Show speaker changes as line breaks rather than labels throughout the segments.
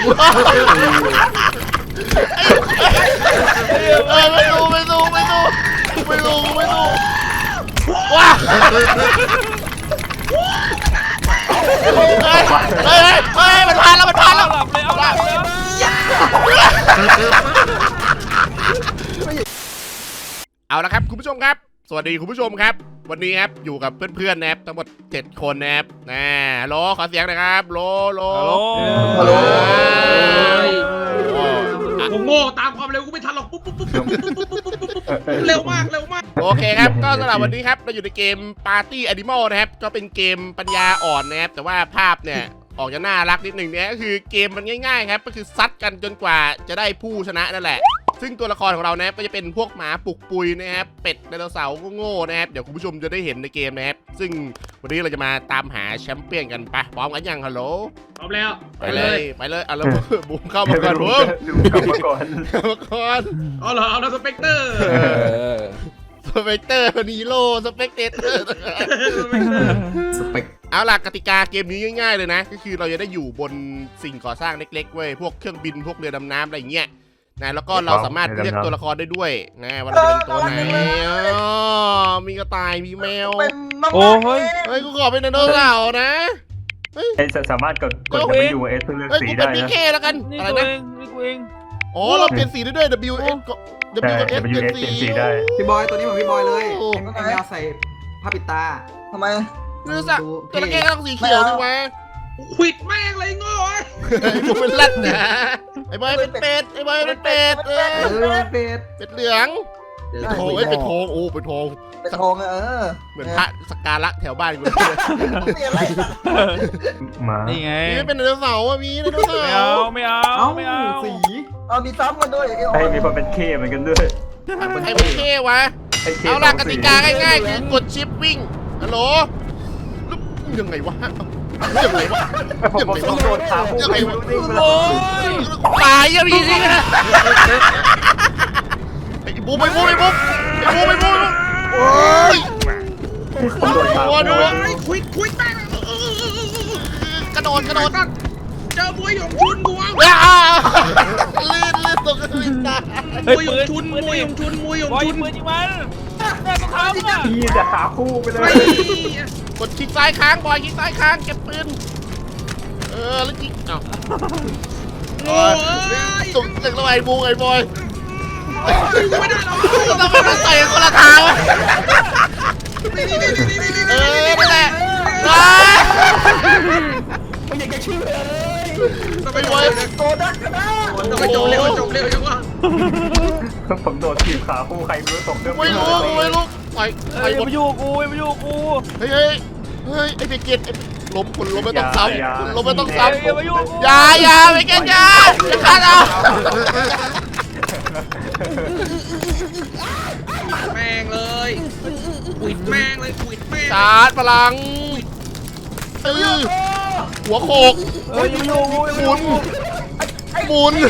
ไม่ดูว้าเฮ้ยมันผ่านแล้ว
เอาหลับเลย
เอาละครับคุณผู้ชมครับสวัสดีคุณผู้ชมครับวันนี้ครับอยู่กับเพื่อนๆนะครับทั้งหมด7 คนนะครับฮัลโหลขอเสียงหน่อยครับฮัลโหล
กูโง่ตามความเร็วกูไม่ทันหรอกปุ๊บเร็วมาก
โอเคครับก็สำหรับวันนี้ครับเราอยู่ในเกม Party Animal นะครับก็เป็นเกมปัญญาอ่อนนะครับแต่ว่าภาพเนี่ยออกจะน่ารักนิดหนึ่งเนี่ยก็คือเกมมันง่ายๆครับก็คือซัดกันจนกว่าจะได้ผู้ชนะนั่นแหละซึ่งตัวละครของเรานะครับก็จะเป็นพวกหมาปุกปุยนะครับเป็ดไดโนเสาร์โง่ๆนะครับเดี๋ยวคุณผู้ชมจะได้เห็นในเกมนะครับซึ่งวันนี้เราจะมาตามหาแชมเปี้ยนกันปะพร้อมกันยังฮัลโหล
พร้อมแล้ว
ไปเลยเอาแล้วบุ้มเข้ามาก่อนบุ้ม
เข้ามาก่อน
เอาเหรอเอาแล้วสเปกเตอร์
นีโร่สเปกเตอร์เอาล่ะกติกาเกมนี้ง่ายๆเลยนะก็คือเราจะได้อยู่บนสิ่งก่อสร้างเล็กๆเว้ยพวกเครื่องบินพวกเรือดำน้ำอะไรอย่างเงี้ยนะแล้วก็เราสามารถเลือกตัวละครได้ด้วยนะว่าจะเป็นตัวไหนมีกระต่ายมีแมว
โอ้เฮ้ย
กูขอเป็นไดโนเสาร์นะ
สามารถกดไปอยู่เอสเพื่อเลือกสีได้นะ
กูเป็นพีเคแล้วกันอะไรนะ
นี่กูเอง
อ๋อเราเปลี่ยนสีได้ด้วย W S เปลี่ยนสี
ได้
พี่บอยตัวนี้เหมือนพี่บอยเลยแมวใส่ผ้าปิดตา
ทำไม
รู้สึกตัวละแกต้องสีเขียวดิวะ
ควิดแม่งเลยโง่
กูเป็นลัดนะไอ้บอยเป็นเป็ดเป็ดเหลืองโอ้ยเป็นทองเป็นทองเหมือนพระสักการะแถวบ้านกู
นี่
ไง
นี่เป็นไดโนเสาร์มีไดโนเสาร์
ไม่เอา
สีมีซ้ำกันด้วย
มีคนเป็นเคเหมือนกันด้วย
ใครเป็นเควะเอาล่ะกติกาง่ายๆคือกดชิปวิ่งฮัลโหลยังไงวะ
ผมต้องโดนขาคู่ไป
โอ้ยตายยังมีสิไอ้บูมโอ้ย
ผมโดนขา
ดู
ควิดแม่ง
กระโดด
เจอมวยหยงชุนกู
ลื่นตกลื่นตาย
มวยหยงชุน
ปืนยิงมันเนี่ยต้องทำอ่ะ
พี่จะขาคู่ไปเลย
กดคลิกซ้ายค้างบอยคลิกซ้ายค้างเก็บปืนแล้วยิงตุ่มตึกระไอ้บูไอ้บอย
ไม่ได้หรอก
ต้องไปใส่คนละทางนั่นแหละ
ไม่อยากจะเชื่อ
ไปบอย
โตดักกันนะ
ต้องจบเร็วจังวะ
ผมโดนถีบขาคู่ใครไม่รู้ตกเรื่อง
ไม่รู้ไป
มาอยู่กู
เฮ้ยไอ้เด็กเกตล้มคนล้มไม่ต้องซ้ำคนล้มไม่ต้องซ้ำอย่าไม่เกตอย่าฆ่าเรา
แม่งเลยควิดแม่ง
ชาร์จพลังหัวโขกหมุน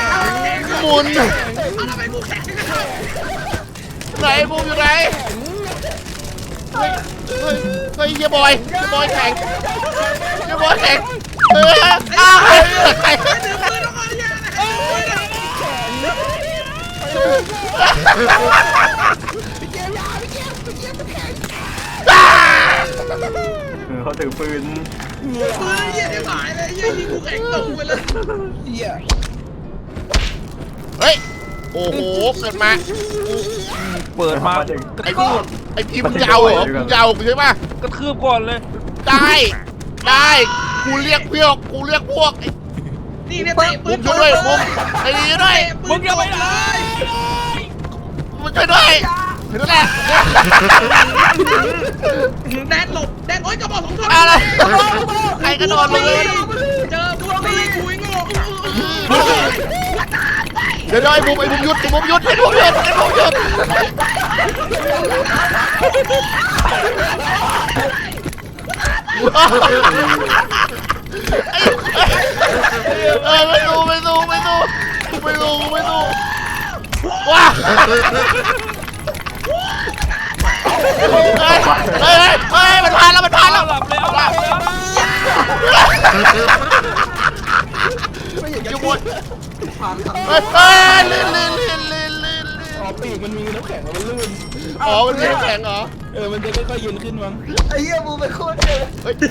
ไหนบูมอยู่ไหนเฮ้ยเฮียบอยแข่งใคร
เขาถือปืน
เหี้ยหายเลยยิงกูแข็งตกไปเลย
เฮ้ยโอ้โหเปิดมาไอ้พี่มึงจะเอาเหรอมึงจะเอาใช่ป่ะ
กระทืบก่อนเลย
ได้กูเรียกพวก
นี่เนี่ย
บุ้มช่วยด้วยบุ้มไอ้นี่ด้วย
มึงอย่าไปเลย
มึงช่วยด้วยนั่นแหละ
แดนหลบโอ๊ยกระบอก2 ท่อน
อะไรใครกระโดดเลย
เจอบุ้มตีคุยโง่
เดี๋ยวไอ้บุ้มหยุดไม่รู้ว้ามันผ่านแล้ว
หลับเลย
ลื่น
อ๋อปีกมันมีน้ำแข็งมันลื่น
อ๋อมันแข็งเหรอ
มันจะค่อยๆยืนขึ้นมั้ง
ไอ้เหี้ยมูเป็นโคตรเจ๋ง
เฮ้ย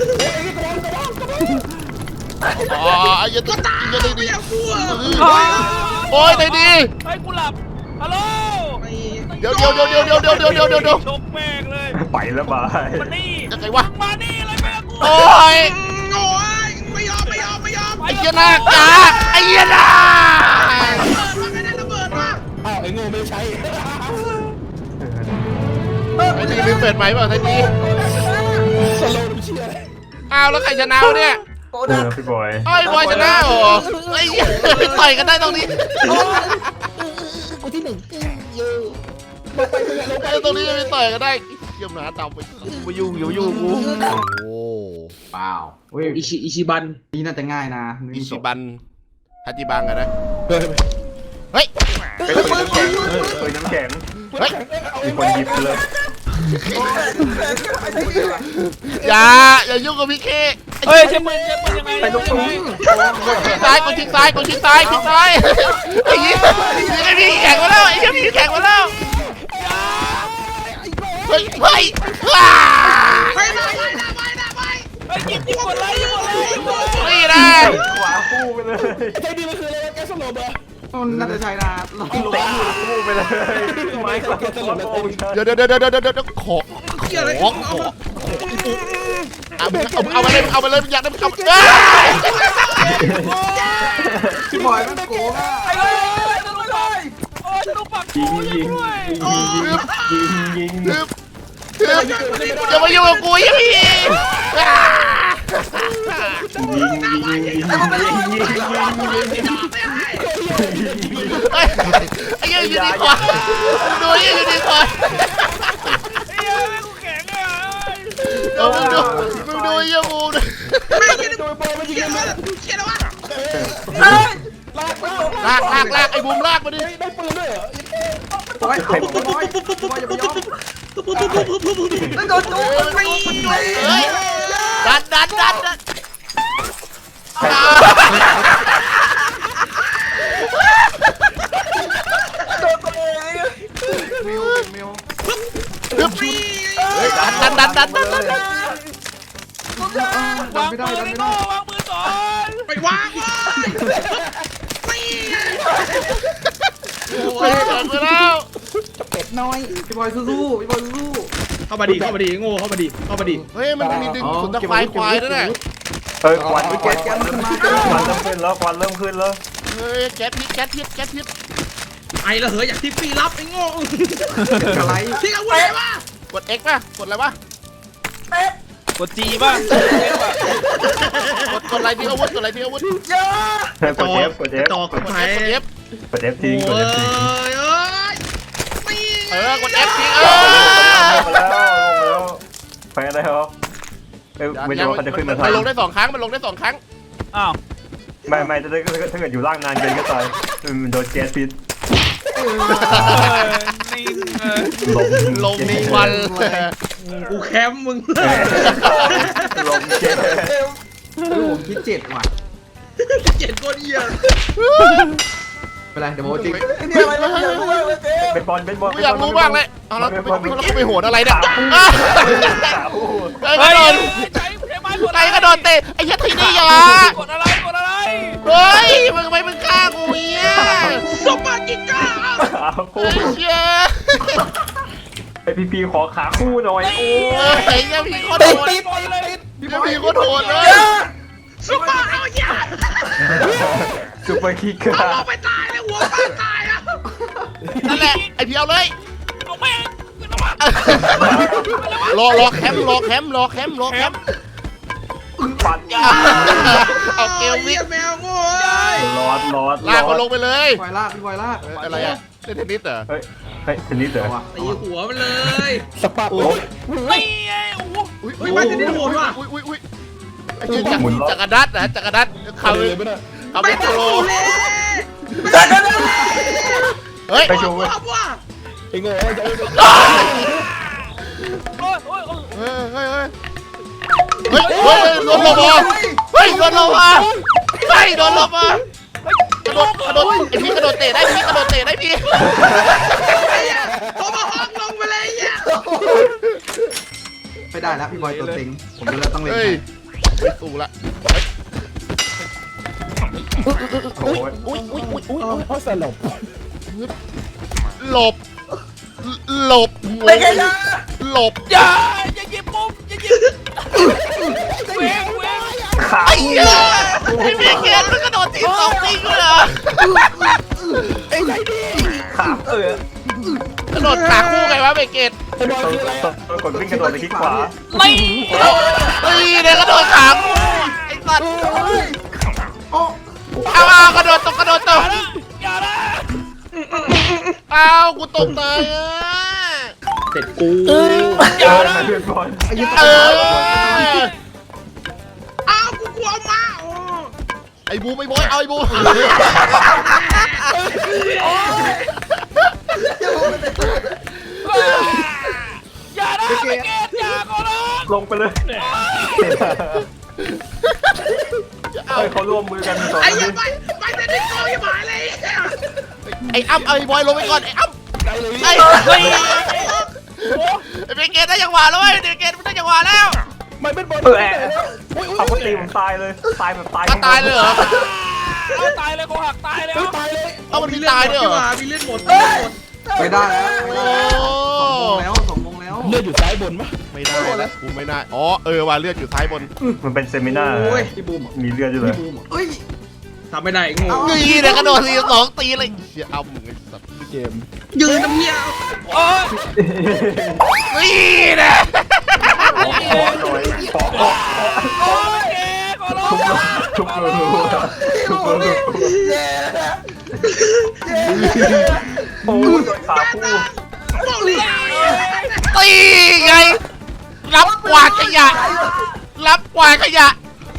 อ๋ออย่าตายอย่าได้ดีโอ้ยได้ดี
เฮ้ยกูหลับฮัลโหล
เดี๋ยว
ชกแม่งเลย
ไปแล้วบาย
มานี่
ยังไงวะ
มานี่เลยแม่กู
โอ้ย
โอ้ยไม่ยอม
ไอ้เหี้ยนาจ้าไอ้เหี้ยนา
มันไม่ได้ระเบิดว่ะ
อ้าวไอ้โง่ไม่ใช้
ไอ้นี่ลืมเปิดไหมเปล่าไอ้นี่
สโลว์น้ำเชี่ย
อ้าวแล้วใครชนะวะเนี่ย
โกดัก
พี่บอย
ไอ้บอยชนะเหรอไอ้เหี้ยต่อยกันได้ตรงนี้
กูที่หนึ่งเยอะ
ไอ้ตรงนี้จะไปต่อยกันได้เยี่ยมหนาเต่าไปยุ่งกูโอ้
เปล่าเฮ้ย
อิชิบัน
นี่น่าจะง่ายนะ
อิชิบันฮัจิบังอะนะ
เฮ้ย
เฮ้ย
เป็นปืนน้ำแข็งปืนน้ำแข็ง
เฮ้ย
มีคนหยิบเลย
อย่ายุ่งกับพี่เค
เฮ้ยใช่ปืนยังไง
ไปลงตุ้ง
ชิงซ้ายกดชิงซ้ายไอ้ยี่ไอ้พี่แข่งมาแล้วไอ้พี่แข่งมาแล้วเฮ้ยว้า
ไป
เฮ้ยยิงหมดเลย
นี่นะ
ขวาคู่ไปเลย
ใช้ดีมันคืออะไรแกสโลว์เบอร์
น่าจะใช่นะลอง
เตะคู่ไปเลยไม้กวาดโอ้ย
เดี๋ยวขอเอาไปเลยอยากได้เอา
พี่บอยมันโกงอ่ะ
โอ้ยจะต้องปัก
ยิง
ยิงด้วย
อย่ามายุ่งกับกูยี่พี่ไอ้ยี่อยู่ดีกว่าดูยี่อยู่ดีกว่า
ไอ้เหี้ยแม่งกูแข็งอ่ะ
มึงดูยี่มูน
โดยบอลมันยิงกัน
เขียนแล้ววะ
ลากไอ้บูมลากมาดิ
ได้ปืนด้วยเหรอ
บอยอย่าไปยอม
โดนจูไม่
เฮ้ยดัน
โดนตัวเอง
มิว
ดัน
วาง
ดัน
ปื
ไม่
น
ได้
ไอ้
ดันไม่
โง่
ได้
วางปืนก่อน
ไปวางเลยไม่
ไปแล้ว
เป็ดน้อย
พี่บอยสู้พี่บอยสู้
เข้ามาดิโง่เข้ามาดิ
เฮ้ยมันมีดึงสุนทรควายด้วยนะ
เฮ้ยควันควันเริ่มขึ้นแล้วควันเริ่มขึ้นแล้ว
เฮ้ยแก๊สพิษ
ไอ้ละเหยอยากที่ปีรับไอ้โง่
อะไร
ที่เอาไว้วะ
กด X ป่ะกดอะไรวะ
กดจีป่ะ
กดอะไรที่อาวุธ
กดเอฟ
กด F
กดเอฟทิ้งกดเอฟทิ้ง
กด F ทิ้ง
ลงแล้วไปอะไรครับไม่รู้ว่าเขาจะขึ้นมาทัน
มันลงได้2 ครั้งมันลงได้2 ครั้ง
อ้าว
ไม่ถ้าเกิดอยู่ล่างนานเกินก็ตายมันโดนแก๊สพิษ
นิ่ง
ลงมีวัน
กูแคมป์มึง
ลมแก๊ส
ผมคิด7ว่ะ
เจ็ดคนเหี้ย
เป็นไรเดี๋ยวโมจิ
นี่อะไรนะเนี่ยรู้เลยเจ๊
เป็นบอล
กูอยากรู้บ้างเลยเอาแล้วไปโหดอะไรเนี่ย
เฮ้ย
กระโดด
ใช้ไม้กด
ไอ้กระโดดเตะไอ้ยัดทีนี่อย่าก
ดอะไร
เฮ้ยมึงไม่ฆ่ากูเนี่ย
สมบัติกิก้า
ไอ้เชี่ย
ไอพีขอขาคู่หน่อยโอ้
ไอ้เนี่ยพี่โคตรโหด
ติดเลย
พี่โคตรโหดเลย
สมบัติเอาอย่า
ซุปเปอร์คิก
เอาไปตายเลยหัวป้าตายอ่ะ
นั่นแหละไอ้พี่เอาเลย
เอาแม่ง
รอแคมป์
ปัด
เอาเกลวิ
เรีย
ก
กแมวโง่
ร้อน
ลากมันลงไปเลย
พี่บอยลากพี่บอยลาก
อะไรอะเล่นเทนนิสเหรอ
เฮ้ยเทนนิสเหรอ
ตีหัวมันเลย
สปาร์
ไม่ไงโอ้โห
อุ้ยไม่จะได้โหดว่ะ
อุ้ยไอ้เหี้ยจักรดัดนะจักรดัดเขา
เลยไม่ได้
เขา
ไม่
เป็น
ต้
โป
อง
ร
เลย
เฮ้ย
ไปโชว์
ว่าว่า
ไอ้โง่จะ
โอ้ย
โดนลบอ่ะโดนลบอ่ะกระโดดไอ้พี่กระโดดเตะได้พี่กระโดดเตะได้พี่
โทรมาห้องลงไปเลยเนี่ย
ไม่ได้แล้วพี่บอยตัวเต็งผมดูแล้วต้องเล่น
เฮ้ย
ใคร
ไม่สู้ละ
โอ้ย
อุ้ย
เพราะสลบ
หลบหลบ
ไม่ไงนะ
หลบ
อย่าหยิบมุมอย่าหยิบเว้ง
ขา
ไอ้เหี้ยไอ้พี่เกณฑ์มันกระโดดทีสองทีเลยเหรอ
ไอ้ไรดิ
ขาก
ระโดดขาคู่ไงวะเบเกต
ไอ้บอยคืออะไร
ต้องกดวิ่งกระโดดไปคลิกขวา
ไม่
เฮ้ยเนี่ยกระโดดขาคู่ไอ้สัตว์
โอ้
เอากระโดดตกกระโดดตก
อย่าละ
เอากูตกเลยอ่ะ
เสร็จกู
อย่าละ
เพื่อนบอล
ไอ้ยี่
เอ
ตัว
อ
อ้าวกูกลัวมาโอ้
ไอ้บูมไอ้บอยเอาไอ้บูม
อย่าละไม่เกตอย่าขอร้อง
ลงไปเลยเฮ้ยเขาร่วมมือกันสอง
ไอ้
คน
ยั
นี้
งไปแต่ดิโก้ยังหายเลย
ไอ้อ้ำเอาไอ้บอยลงไปก่อนไอ้อ้ำไอ้เฮ้ยไอ้เบเกตได้จังหวะแล้วเว้ยเบเกตได้จังหวะแล้ว
มันเป็นบอล
เอาเขาตีผมตายเลยตายแบบตาย
ตายเลยเหรอ
เอาตายเลยกูหักตายแล้ว
ตายเลย
เอามันมีตายด้วยเหรอ
มีเลือดหมด
ไม่ได้แล้วไม่ได้
โอ้
แล้วสองโมงแล้ว
เลือดอยู่ซ้ายบนปะ
ไม่ได้แล้วกูไม่ได้อ๋อว่าเลือดอยู่ท้ายบน
มันเป็นเซมินาร์
พี่บูมอ่ะ
มีเลือดอยู่เลย
พี่บูมอ่ะเอ้ย
ทำไม่ได้งู
นี่เนี่ยกระโดดทีสองตีเลยเชี่ยเอามึงไอ้สัตว์
เกม
ยืนน้ำเหี้ย
โอ้ย
นี่นะ
โอ้ยเกตขอร้อง
ทุบเลยทุบเลยโอ้ยขาคู่
บอกเลย
ตีไงรับกวาดขยะรับกวาดขยะ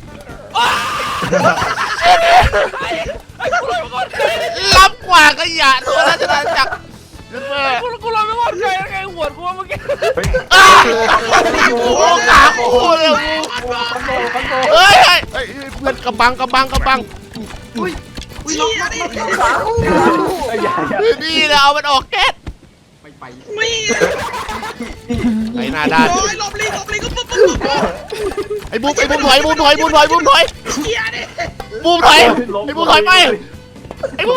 รับกวาดขยะตัวราชนาจักรขึ้นมา
กูรอไม่ว่าใครไงหัวกูเมื่อกี้
เฮ้ย
โอ้โหขาคู่เลยเฮ้ยเพื่อนกระบัง
อุ้ยน้องขา
อย่า
นี่นะเอามันออกแก๊ส
ไม่ไป
ไม่
ไอ้หน้าด้าน
โอ้ยหลบลีก็ปุ๊บ
ไอ้บูมถอย
เกียร์ดิ
บูมถอยไอ้บูมถอยไปไอ้บูมถอยไปเฮ้ยบูมถอยไป
ส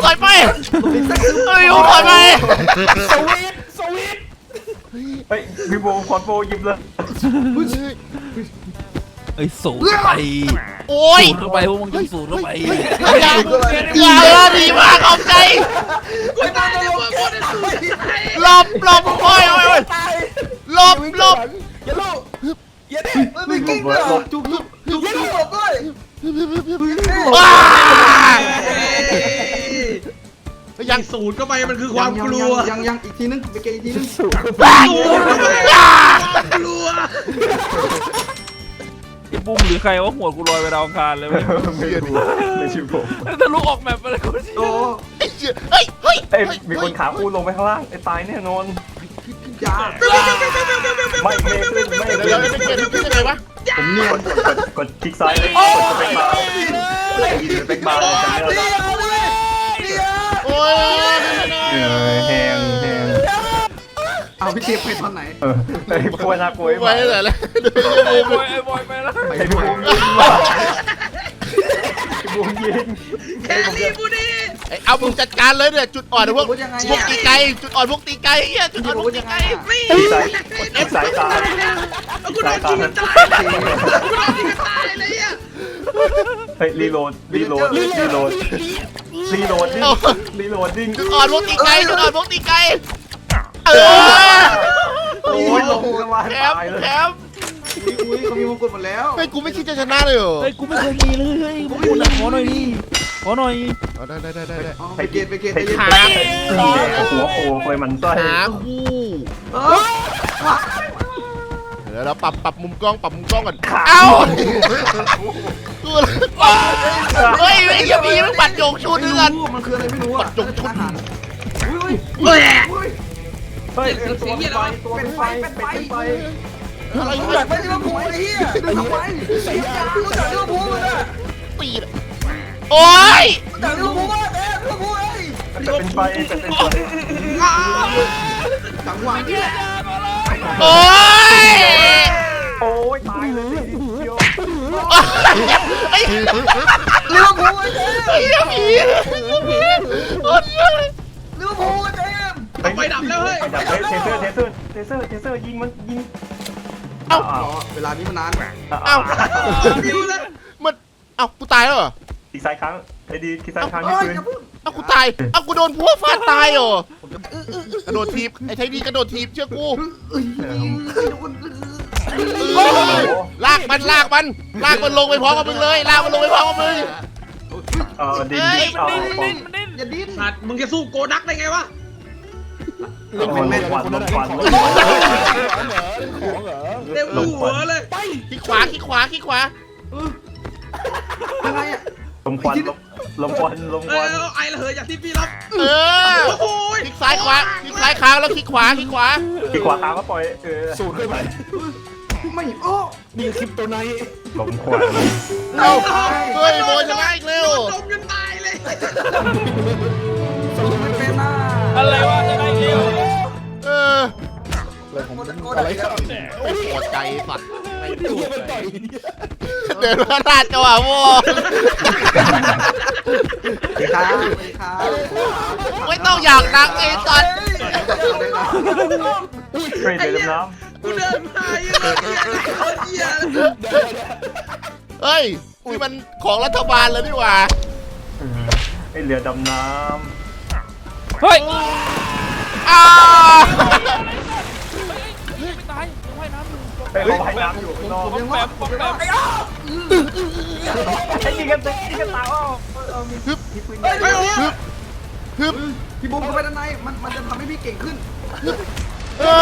วิต
เฮ้ยพี่โบคอนโบยิบเลย
ไอ้สูงไป
โอ้ย
สูงเข้าไปพวกมึงจะสูงเข้าไป
อย่าดีมากเอาใจ
กูตายแล้วกูจะสู้ตาย
หลบโอ้ย
ตาย
หลบ
อย่าโลอย่าดิ
ไม่กิ้งเลยจุก
อย่าโลด้วย
ว้า
ยั
ยัง
งสูดเข้าไปมันคือความกลัว
ยังอีกทีนึงไปเกอีกทีนึง
สูดเข้าไปความกลัว
ไอ้บุ้มหรือใครว่าหัวกูลอยไปดาวอังคารเลย
ไม่รู้ไม่ใช่ผม
ทะลุออกแมปไปเลยกูสิ
โอ้
เฮ้ย
เอ้ยมีคนขาคู่ลงไปข้างล่างไอ้ตายแน่นอน
ยา
ไม่ขึ้น
เดี๋ยวไม่เก็บขึ้นยังไงวะ
ผมเนียน
กดคลิกซ้ายเลยกดสเปคบาร์สเปคบาร์เลยจำไม่ได้
โอ้ย
แหง
เอาพี่เจไปตอนไหน
ไอ้พวกน่ากลัว
ไว้เลยแหละ
ไอ้บอยไปแล้ว
ไอ้บูมยิงว่ะไอ้บูมยิง
แครี่บูดี
เอามึงจัดการเลยเนี่ยจุดอ่อนพวกตีไก่จุดอ่อนพวกตีไก่เฮียจุดอ่อนพวกตีไก่
ไม่
สายตา
กูโดนยิงกันตายกูโดนยิงกันตายเลยอ่ะ
เฮ้ยรีโหลดดิ้ง
จุดอ่อนพวกตีไก่จุดอ่อนพวกตีไก่
โอ้ยลงกันมา
แถม
ตายเลย
แถม
อุ้ยเขามีมงกุฎหมดแล้ว
ไม่กูไม่คิดจะชนะเลยเหรอ
เฮ้ยกูไม่เคยมีเลยเฮ้ยกูพูดนะขอหน่อยดิขอหน่อย
ได้
ไปเกตไปเกต
ไอ้
ไปเกต
หา
หัวโผล่เคยมันไส้
หาคู่ เดี๋ยวเราปรับมุมกล้องก่อนเอ้าเฮ้ยไอ้ยังมีมันปัดโยงชุดนึงกัน
มันคืออะไรไม่รู้อ่ะอาหารอุ้ย
เฮ้ย
อุ้ย
เฮ้ยตัวเป็นไฟ
อะไร
กู
เนี่
อย ยากไปลิเวอร์พูลไอ้เหี้ยดูทำไมกูอยากลิเวอร์พูลมันอ่ะ
ตีโอ้ย
กูอยากลิเวอร์พูลมากเลย
แต่เป็นไฟแต่เป็นไฟ
จังหวะนี้แหละ
โอ้ย
โอ้ยตายเลยเดียว
ไอ้
เลี้ยวภูไอ้เจม
ไอ้เหี้ยผีโอ้ย
เลี้ยวภูไอ้เจม
ไฟดับแล้วเฮ้ย
ไฟดับเลยเทเซอร์ยิงมันยิง
เอ้าร
อเวลานี้มันนาน
เอ้า
ดิวเลย
มันเอ้ากูตายแล้วเหรอ
ทีซ้ายครั้งไอ้ดีทีซ้ายครั้งที่ปืน
เอ้ากูตายเอ้ากูโดนพวกฟาดตายเหรอกระโดดทีบไอ้ไทยดีกระโดดทีบเชื่อกูลากมันลากมันลงไปพร้อมกับมึงเลยลากมันลงไปพร้อมกับมึง
ดิน
มันดิ้น
อย่าดิ้น
สัตว์มึงจะสู้โกดักได้ไงวะ
ลมควัน
เต็มหัวเลย
ขี้ขวา
ยังไงอ่ะ
ลมควัน
ไอ้ละเหยอย่างที่พี่รับ
เออ
โอ้ย
คลิกซ้ายค้างแล้วคลิกขวา
ที่ขวาทางก็ปล่อยสูดขึ้นไป
ไม่โอ้
นี่คลิปตัวไหน
ลมควัน
เอ้าเฮ้ยโบชนะอีกเร็ว
จมจนตายเลย
สรุปไม่เป็นหน้า
อะไรวะจะได้เร็ว
เออ
อะไรครับ
ไม่พอใจสัตว์ไม่
เฮียมันต่อย
เดินมาลาดจังหวะโบ
ครับครับ
ไม่ต้องอยากดังไอ้สัตว์
เฮ้ยเดินน้
กูเดินมาเยอะเหี้ย
เฮ้ยนี่มันของรัฐบาลแล้วนี่หว่า
ำไอ้เรือดำน้
เฮ้ย
อ้าว
ไม่ตายยังว่ายน้ำอยู่
ำไอ้เขาพายน้ำอยู่ข้างนอก
ยังว่าผมยังว่า
ไอ้ยิงกันตายอ้อมีปืนใหญ่
ไปโอ้
ฮึบ
พี่บูมเข้าไปด้านในมันจะทำให้พี่เก่งขึ้น
เออ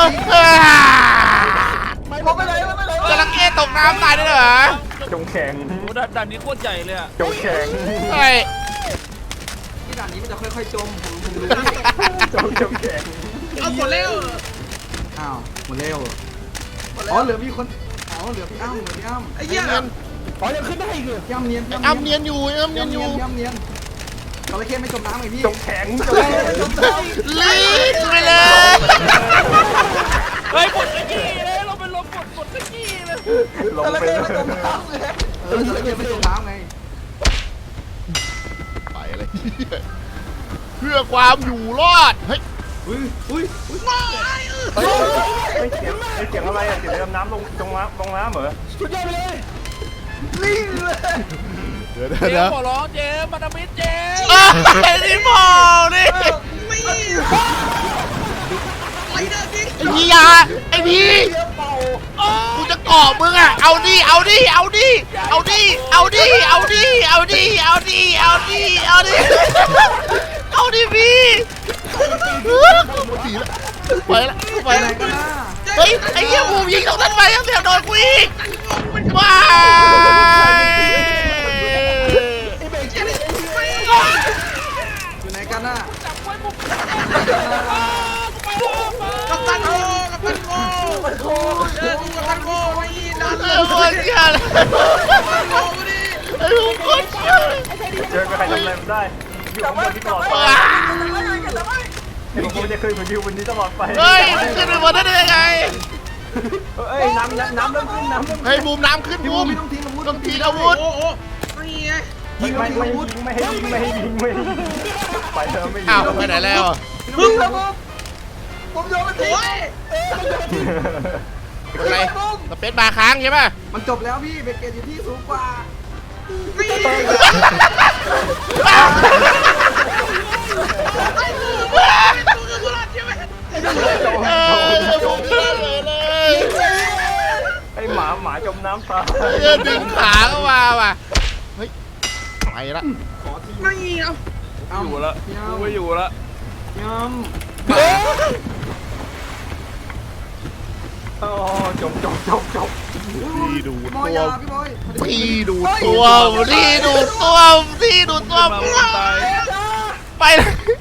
ผมไปเลยไปเลย
จระเข้ตกน้ำตายด้วยเหรอ
จงแข็ง
โอ้ด่านนี้โคตรใหญ่เลยอะ
จงแข็ง
เฮ้ย
ที่ด่านนี้มันจะค่อยๆจมผมรู้
จงแข็ง
เอาหมดแล้ว
อ้าวหมดแล้วอ๋อเหลือพี่คนอ๋อเหลือพี่อ้ำเหลือพี่อ้ำ
ไอ้เหี้ย
อ๋อยังขึ้นได้อีกเหรอ
พี่อ้ำเนียน
อ้ำเนียนอยู่อ้ำเนียนอยู่
พี่อ้ำเนียนจระเข้ไม่จมน้ำไงพี่
จงแข็ง
ลีดไปเลย
เฮ้ยกดตะกี้เลยเราเป็นลมกดตะกี้เลย
ลงไปเลย
จระเข้ไม่จมน้ำไง
ไปเลย เพื่อความอยู่รอด เฮ้ย
อุ้ย
ไม่เสียงอะไรอ่ะเสียงเรือดำน้ำลงน้ำเหรอ
สุดยอดไปเลย
นี่เลย
เดี๋ยว
เจมขอร้องเจมมาดามิดเจม
ไอ้นี่มอนี่
ไม่ไอ้เด้อจริง
ไอ้พี่ยาไอ้พี่กูจะเกาะมึงอ่ะ เอาดิเอาดิเอาดิเอาดิเอาดิเอาดิเอาดิเอาดิเอาดิเอาดิเอาดิพี่ไปละไป
ไปไหน
ละ
กันนะ
เฮ้ยไอ้เหี้ยบูมยิงตรงนั้นไปยังเสียโดนกูอีกว้า
อยู่ไหนกันน่ะ
จับไว้ปุ๊บ
กัปตันโกกัปตันโกเจอกูกัปตันโกไอ้นั่น
เออคนเชี่ยเลย
โกดิ
ไอ้บูมคนเชี่ยเลย
เจอใครทำอะไรมันได้อยู่ข้างบนที่ตลอดไป
ว้า
ผมจะเคยเหมือนอยู่บนนี้ตลอดไป
เฮ้ยมันขึ้นไปบนได้ยังไง
เอ้ยน้ำเริ่มขึ้น
เฮ้ยบูมน้ำขึ้น
พี่
บู
บู
ม
ไม่ต้องทิ้งอาวุธ
ต้องทิ้งอาวุธ
โอ้โหนี่ไง
ยิงไม่ให้ยิงไปเถอะไม่ยิ
อ้าว
ง
ไปไหนแล้ว
มึงนะผมโยนมันทิ้ง
โอ้ย
อะไรสเปซบาร์ค้างใช่ป่ะ
มันจบแล้วพี่เบเกตอยู่ที่สูงกว่า
นี่ไอ้กูกูรอดใช่ไหม
เออบูมขึ้นเลยเลย
ไอ้หมาจมน้ำตาย
เออดึงขาเข้ามาว่ะเฮ้ยไปละ
ไม่เอา
อยู่ละกูไม่อยู่ละ
ย
โอ้จบ
พี่ดู
ำม
ตั
อยาว พี่บอย
พี่ดูตัวพี่ดูตัวพี่ดูตัว
มาไม่ตาย
ไปเลย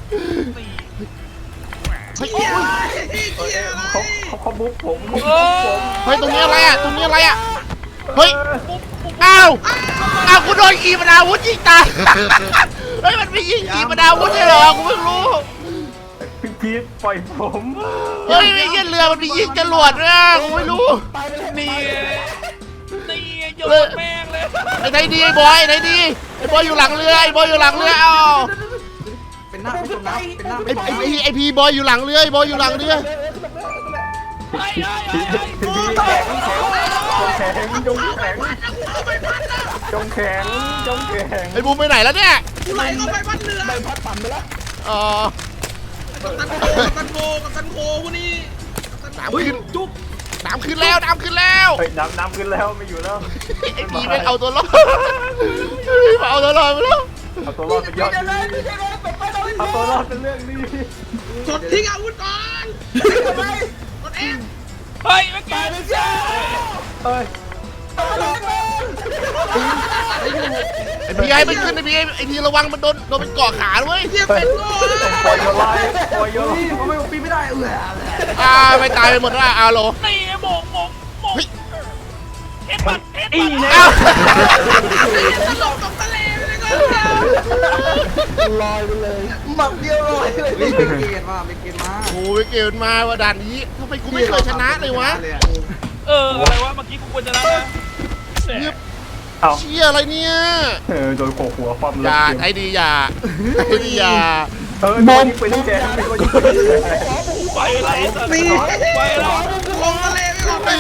เฮียเฮียอะไร
เขาบุ๊กผม
เฮ้ยตรงนี้อะไรอ่ะตรงนี้อะไรอ่ะเฮ้ยอ้าวกูโดนขีปนาวุธยิงตายเฮ้ยมันมีไม่ยิงขีปนาวุธใช่เหรอกูเพิ่งรู้
พี่พีทปล่อยผม
เฮ้ยไม่ใช่เรือมันมียิงจรวดนะกูไม่รู้
นี่นี่โยนแม่งเลย
ไอ้ไหนดีไอ้บอยไอ้ไหนดีไอ้บอยอยู่หลังเรือไอ้บอยอยู่หลังเรือเอา
เป็นหน้าไม่จมน้ำเป็นหน้าไม่
ไอ้
จม
ไอ้
น้ำ
ไอ้พีบอยอยู่หลังเรือไอ้บอยอยู่หลังเรือ
ไอ้
พี่พีทแข็งจงแข็งจงแข็งจงแข็ง
ไอ้บูมไปไหนแล้วเนี่ย
กูไหลเข้าไปบ้านเรือ
อ๋อ
กับตันโคกูนี่
น้ำขึ้นน้ำขึ้นแล้วน้ำขึ้นแล้ว
เฮ้ยน้ำขึ้นแล้วไม่อยู่แล้ว
ไอ้พีไม่เอาตัวรอดมาเอาตัวรอดไปแล้ว
เอาตัวรอดเป็นยอดดีเอาตัวรอดเป็นเรื่องดี
กดทิ้งอาวุธก่อนกดเอ็ม
เฮ้ยไม่แก่เลยจ้า
เฮ้ย
ไอ้พีให้มันขึ้นไอ้พีระวังมันโดนเป็นเกาะขาด้วย
เทียบเป็นโง่
ปล่อยโยนไล่ปล่อยโยน
นี่ผมปีนไม่ได้
ไม่ตายไปหมดแล้วเอาโล
นี่โมงเอ็ดปัดเอ็ด
อี
ปัด
เนี่ย
เอา
ตกตะเลไปเลยก็
หมักเดียวลอยเลย
เป็นเกียร์มาเป็นเกียร์มา
โอ้ยเกมมาว่าด่านนี้ทำไมกูไม่เคยชนะเลยวะ
อะไรวะเมื่อกี้กูควรจะนะ
เอา
เชี่ยอะไรเนี่ย
โดนโขกหัวความ
อ
เลิ
ย่าไอ้ดีอย่าไอ้ดีอย่า
โดนยิงไปที่แกไม่โดนยิงไปที่แก
ไปไรสัตว์
ปี
ไปแล้ว
ลงทะเลไม่ลงไป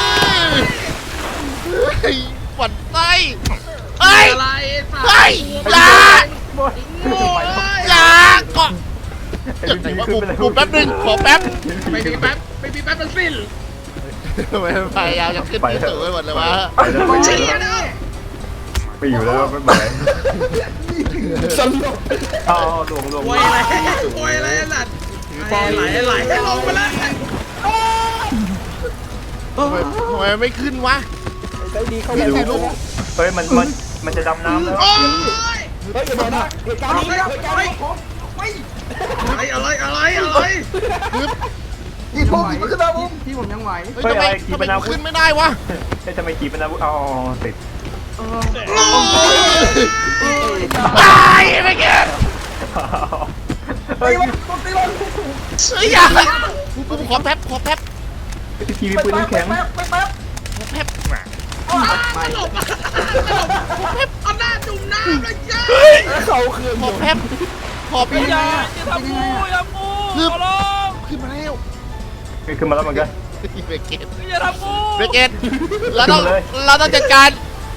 เฮ้ยหวั่นไส้เฮ้ย
อะไร
เฮ้ยอย่า
โง่เลย
อย่าเกาะอย่างไหนวะกูแป๊บนึงขอแป๊บ
ไม่มีแป๊บมันสิ้น
ไม่พยายามจะขึ้นที่สูงไปหมดเลยวะ
ไปแล้ว
เชี่ยนะ
ไปอยู่แล้วไม่ไหว
สลบ
เอาลง
โวยอะไรสัตว์ไหลลงไปเลย
ทำไมไม่ขึ้นวะ
ใจดีเข้า
ขึ้น
ไป
สิลูก
เฮ้ยมันจะดำน้ำแล้ว
โอ้ย
เฮ้ยเดี๋ยวนะเหตุการณ์นี้เหตุการณ์นี้
อะไร
นี่พวกนี้มันขึ้นมาบุ้ม
พี่ผมยังไหว
เฮ้ยทำไมกูขึ้นไม่ได้วะ
ทำไมขี่เป็นอาวุธอ๋อติด
ตายไม่เก็ต
เฮ้ย
ต้องตีลง
เฮ้ยอย่ากูขอแป๊บ
พี่ขี่มีปืนแข็ง
แป๊บ
ตลบเอาหน้าจุ่มน้ำเลยจ้า
เขาคืน
ขอแป๊บขอปี
อย่าทำกูอย่ากูขอร้อง
ขึ้นมาแล้ว
ขึ้นมาแล้วเหมือนกัน
เบเกต
อย่าทำกู
เบเกตเราต้องจัดการ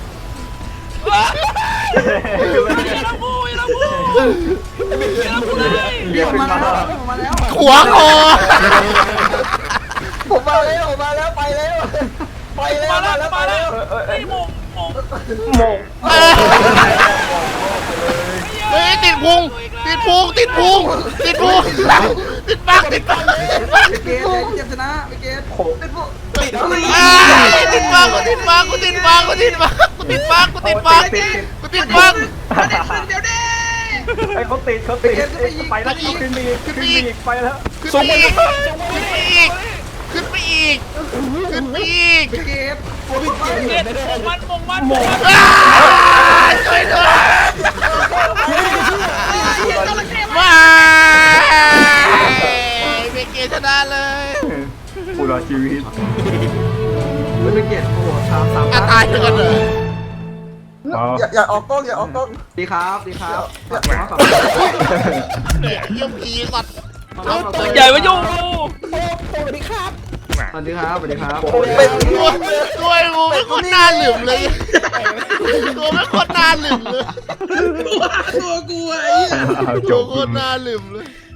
อย่าทำกูอย่าทำกูอย่าทำกูเลย
เรียกขึ้นมา
มาแล้ว
ขวางคอ
ผมมาแล้วไปแล้ว
มาแล้วไอ้โมง
โมง
เฮ้ยติดพุงติดปัก
เกตชนะเกต
โขก
ติดปักกูติดปัก
เดี๋ยวดิ
ไอ้เขาติดไปแล้วขึ้นไปอีกไปแล้ว
ขึ้นไปอีก
เกต
เก็บมงมัน
ช่วยด้วยว้าเบเกตชนะเลย
ผู้รอดชีวิต
เป็นเกตโอ้ชาวสาม
ตายกันเลย
อย่าออกกล้อง
ดีครับดีครับ
เนี่ยเยี่ยมพีสัตว์
ตัวใหญ่มายุ่ง
สวัสดีครับ
สวัสดีครับสวัสดีครับ
ตัวกูไม่คนหน้าหลืมเลยตัวไม่คนหน้าหลืมเลย
ตัวกูไอ้
จ
ตัว
บ
คนหน้าหลืมเลย